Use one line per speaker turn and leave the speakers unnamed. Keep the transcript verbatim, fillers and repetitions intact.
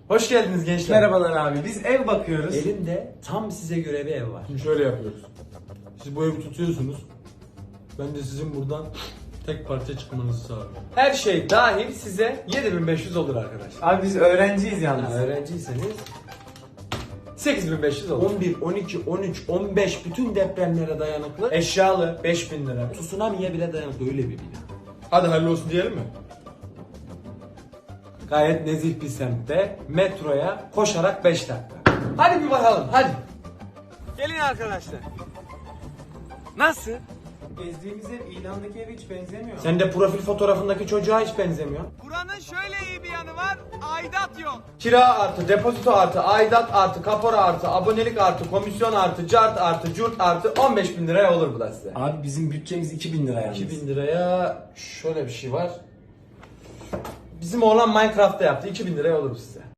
Hoş geldiniz gençler.
Merhabalar abi, biz ev bakıyoruz.
Elimde tam size göre bir ev var.
Şimdi şöyle yapıyoruz. Siz bu evi tutuyorsunuz. Ben de sizin buradan tek parça çıkmanızı sağlıyorum.
Her şey dahil size yedi bin beş yüz olur arkadaşlar.
Abi biz öğrenciyiz yalnız.
Ha, öğrenciyseniz sekiz bin beş yüz olur. on bir, on iki, on üç, on beş bütün depremlere dayanıklı. Eşyalı beş bin lira. Tsunami'ye bile dayanıklı öyle bir bina.
Hadi hayırlı olsun diyelim mi?
Gayet nezih bir semtte metroya koşarak beş dakika. Hadi bir bakalım hadi. Gelin arkadaşlar. Nasıl?
Gezdiğimiz ev ilandaki eve hiç benzemiyor.
Sen de profil fotoğrafındaki çocuğa hiç benzemiyor.
Buranın şöyle iyi bir yanı var, aidat yok.
Kira artı, depozito artı, aidat artı, kapora artı, abonelik artı, komisyon artı, cart artı, curt artı on beş bin liraya olur bu da size.
Abi bizim bütçemiz iki bin lira yalnız.
iki bin liraya şöyle bir şey var. Bizim oğlan Minecraft'ta yaptı. iki bin liraya olur size.